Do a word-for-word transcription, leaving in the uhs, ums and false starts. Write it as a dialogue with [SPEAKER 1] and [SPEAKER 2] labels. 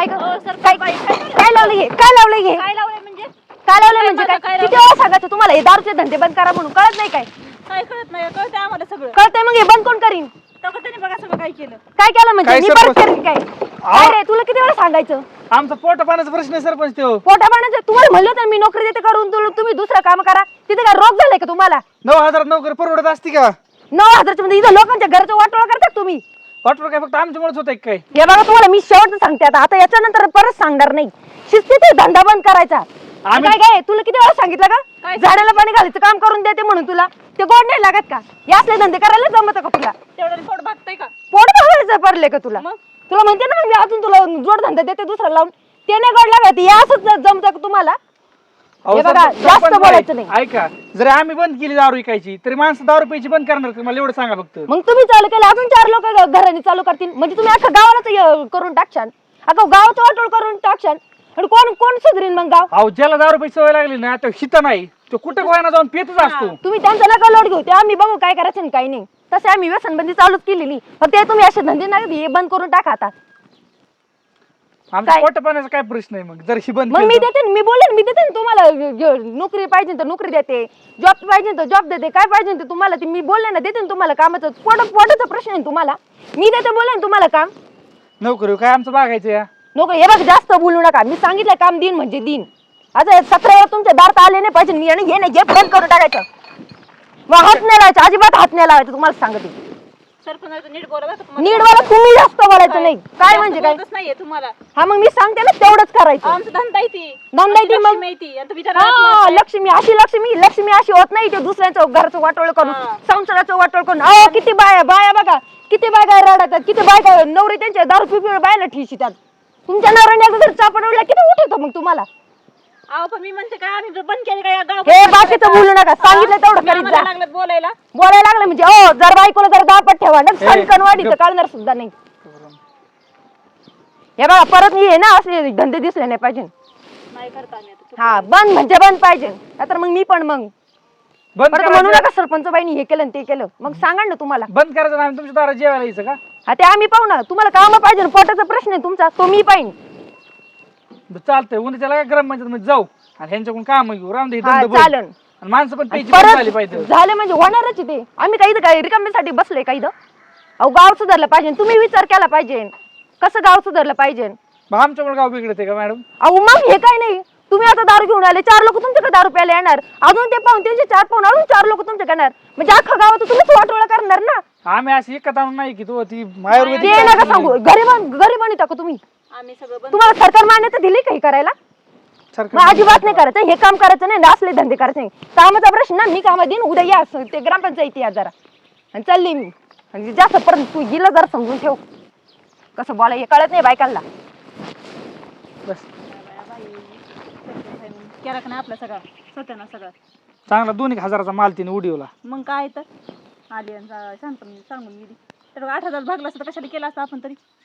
[SPEAKER 1] काय ग?
[SPEAKER 2] अहो, सर,
[SPEAKER 1] काय
[SPEAKER 2] बाई, काय झालं?
[SPEAKER 1] काय लावलं हे काय लावलं हे
[SPEAKER 2] काय लावलंय म्हणजे
[SPEAKER 1] काय लावलं
[SPEAKER 2] काय
[SPEAKER 1] म्हणजे
[SPEAKER 2] माझं
[SPEAKER 1] काय
[SPEAKER 2] काय
[SPEAKER 1] किती
[SPEAKER 2] लावलंय?
[SPEAKER 1] वेळा सांगायचं तुम्हाला हे दारूचे धंदे बंद करा म्हणून कळत नाही काय
[SPEAKER 2] काय कळत नाही कळतंय आम्हाला सगळं
[SPEAKER 1] कळतंय मग हे बंद कोण करीन
[SPEAKER 2] तेव्हा त्याने बघा सगळं काय केलं
[SPEAKER 1] काय केलं म्हणजे
[SPEAKER 3] काय
[SPEAKER 1] मी
[SPEAKER 3] सरपंच?
[SPEAKER 1] परत करीन काय काय रे तुला किती वेळा सांगायचं
[SPEAKER 3] आमचा पोट पाण्याचा प्रश्न आहे सरपंच तो.
[SPEAKER 1] पोटा पाण्याचं तुम्हाला म्हणलं तर मी नोकरी देते करून तुला तुम्ही दुसरं काम करा तिथे काय रोग झालाय का तुम्हाला
[SPEAKER 3] नऊ हजार नोकरी परवडत असती का?
[SPEAKER 1] नऊ हजारच्या मध्ये इथं लोकांच्या घरचं वाटोळा करतात तुम्ही
[SPEAKER 3] वाटलं काय फक्त आमच्यामुळेच होत काय?
[SPEAKER 1] हे बघा तुम्हाला मी शेवटचं सांगते आता आता याच्यानंतर परत सांगणार नाही शिस्तीत धंदा बंद करायचा
[SPEAKER 3] आम्ही-
[SPEAKER 1] काय काय तुला किती वेळा सांगितलं का
[SPEAKER 2] काय?
[SPEAKER 1] झाडाला पाणी घालायचं काम करून देते म्हणून तुला ते गोड नाही लागत का या असले धंदे करायला जमत का तुला
[SPEAKER 2] तेवढं पोट भागतंय का
[SPEAKER 1] पोट भागायचं पडले का तुला
[SPEAKER 2] मग?
[SPEAKER 1] तुला म्हणते ना मग मी अजून तुला जोड धंदा देते दुसरा लावून ते नाही गोड लागत हे असंच जमत का तुम्हाला
[SPEAKER 3] अहो,
[SPEAKER 1] हे बघा,
[SPEAKER 3] सरपंच-
[SPEAKER 1] जास्त
[SPEAKER 3] सरपंच
[SPEAKER 1] बोलायचं
[SPEAKER 3] बाई,
[SPEAKER 1] नाही.
[SPEAKER 3] ऐका जर आम्ही बंद केली दारू विकायची तरी माणसं दारू प्यायची बंद करणार का? मला एवढं सांगा फक्त.
[SPEAKER 1] मग तुम्ही चालू केलं अजून चार लोक घराने चालू करतील म्हणजे तुम्ही अख्खा गावालाच हे करून टाकशाल अख्खा गावाचं वाटोळ करून टाकशाल आणि कोण कोण सुधरीन मग गाव
[SPEAKER 3] अहो ज्याला दारू प्यायची सवय लागली ना तो हित नाही तो कुठं गोयाना जाऊन पितच असतो.
[SPEAKER 1] तुम्ही त्यांचा नका लोट घेऊ ते आम्ही बघू काय करायचं आणि काय नाही तसे आम्ही व्यसनबंदी चालूच केलेली फक्त ते तुम्ही असे धंदे नाही हे बंद करून टाका आता
[SPEAKER 3] आमचा
[SPEAKER 1] काय?
[SPEAKER 3] पोट पाण्याचा काय प्रश्न आहे मग जर ही बंद
[SPEAKER 1] मग मी
[SPEAKER 3] केलं तर?
[SPEAKER 1] देते ना, मी बोलेन मी देते ना तुम्हाला ज- नोकरी पाहिजे तर नोकरी देते जॉब पाहिजे तर जॉब देते काय पाहिजे ते तुम्हाला ते मी बोलले ना देते ना तुम्हाला कामाचं पोट पोटाचा प्रश्न आहे ना तुम्हाला मी देते बोलेन तुम्हाला काम
[SPEAKER 3] नोकरी काय आमचं बघायचं या
[SPEAKER 1] नोकरी हे बघ जास्त बोलू नका मी सांगितलं काम दिन म्हणजे दिन आता सतरा वेळा तुमच्या दारात आले नाही पाहिजे मी आणि हे नाही हे बंद करून टाकायचं मग हात नाही लावायचं अजिबात हात नाही लावायचं तुम्हाला सांगते
[SPEAKER 2] सरपंच नीट बोला बरं का तुम्हाला.
[SPEAKER 1] नीट वाला तुम्ही जास्त बोलायचं नाही काय म्हणजे काय
[SPEAKER 2] बोलतच नाहीये तुम्हाला
[SPEAKER 1] हा मग मी सांगते ना तेवढंच करायचं
[SPEAKER 2] आमचं धंदा आहे ती
[SPEAKER 1] धंदा आहे ती मग?
[SPEAKER 2] लक्ष्मी आहे ती. आणि तुम्ही जरा राहत
[SPEAKER 1] हा
[SPEAKER 2] नसताय.
[SPEAKER 1] लक्ष्मी अशी लक्ष्मी लक्ष्मी अशी होत नाही ते दुसऱ्यांचं घरचं वाटोळ करून
[SPEAKER 2] हा.
[SPEAKER 1] संसाराचं वाटोळ करून अहो किती बाया बाया बघा किती बायका रडतात किती बायका नवरी त्यांच्या दारू पिपी बायला ठिशीतात तुमच्या नवऱ्याने एकदा जर चापडवल्या किती उठवतो मग तुम्हाला
[SPEAKER 2] अहो पण मी म्हणते काय आम्ही जर बंद केले काय गाव
[SPEAKER 1] हे बाकीचं बोलू नका सांगितलं तेवढं करीत
[SPEAKER 2] आम्हाला
[SPEAKER 1] जा
[SPEAKER 2] लागलं बोलायला
[SPEAKER 1] बोलायला लागलं म्हणजे ओ जर बायकोला जर दापट ठेवा ना
[SPEAKER 3] हे,
[SPEAKER 1] सणकण वाढीचं
[SPEAKER 3] गप.
[SPEAKER 1] कळणार सुद्धा नाही हे बघा परत मी हे ना असले धंदे दिसले नाही पाहिजे
[SPEAKER 2] नाही करता आम्ही आता.
[SPEAKER 1] हा बंद म्हणजे बंद पाहिजे नाहीतर मग मी पण मग
[SPEAKER 3] बंद
[SPEAKER 1] परत म्हणू
[SPEAKER 3] करायचं
[SPEAKER 1] नका सरपंच बाईनी हे केलं आणि ते केलं मग सांगा ना तुम्हाला
[SPEAKER 3] बंद करायचं ना आम्ही तुमच्या दारात जेवायला यायचं का?
[SPEAKER 1] हा ते आम्ही पाहू ना तुम्हाला काम पाहिजे ना, पोटाचा प्रश्न आहे तुमचा तो मी पाहिजे
[SPEAKER 3] बरं, चालतंय उन्हा त्याला काय ग्राम पंचायत जाऊ आणि ह्यांच्याकडून काम घेऊ राम दे
[SPEAKER 1] हा
[SPEAKER 3] धंदा बंद.
[SPEAKER 1] चालन
[SPEAKER 3] आणि माणसं पण प्यायची बंद झाली
[SPEAKER 1] परत
[SPEAKER 3] पाहिजे.
[SPEAKER 1] झाले म्हणजे होणारच आहे ते आम्ही काही काय रिकाम्यासाठी बसलोय काही अहो गाव सुधारलं पाहिजे तुम्ही विचार केला पाहिजे कसं गाव सुधारलं पाहिजे
[SPEAKER 3] मग आमच्यामुळे गाव बिघडते का मॅडम?
[SPEAKER 1] अहो मग हे काय नाही तुम्ही आता दारू घेऊन आले चार लोक तुमच्याकडे दारू प्यायला येणार अजून ते पाहून त्यांचे चार पाहून अजून चार लोक तुमच्याकडे येणार म्हणजे अख्खा गावात तुम्हीच वाटोळा करणार ना
[SPEAKER 3] आम्ही अशी एकत आणून नाही की तो ती
[SPEAKER 1] ते
[SPEAKER 3] आयुर्वेदिक
[SPEAKER 1] नका सांगू गरीब गरीब आणि टाकू तुम्ही
[SPEAKER 2] आम्ही सगळं बंद
[SPEAKER 1] तुम्हाला सरकार मान्यता दिली काही करायला
[SPEAKER 3] सरकार-
[SPEAKER 1] मग अजिबात नाही करायचं हे काम करायचं नाही असले धंदे करायचे नाही कामाचा प्रश्न ना मी कामा देईन उद्या या असं ते ग्रामपंचायती या जरा आणि चालली मी आणि जास्त परत तू गेला जरा समजून ठेव कसं बोला हे कळत नाही बायकांना
[SPEAKER 3] बस
[SPEAKER 2] केला का नाही आपला सगळा सत्याना सगळा
[SPEAKER 3] चांगला दोन एक हजाराचा माल तिने उडीवला.
[SPEAKER 2] मग काय तर आली आणि जा- शांत सांगून गेली तर आठ हजार भागला असतं तर कशाला केला असतं आपण तरी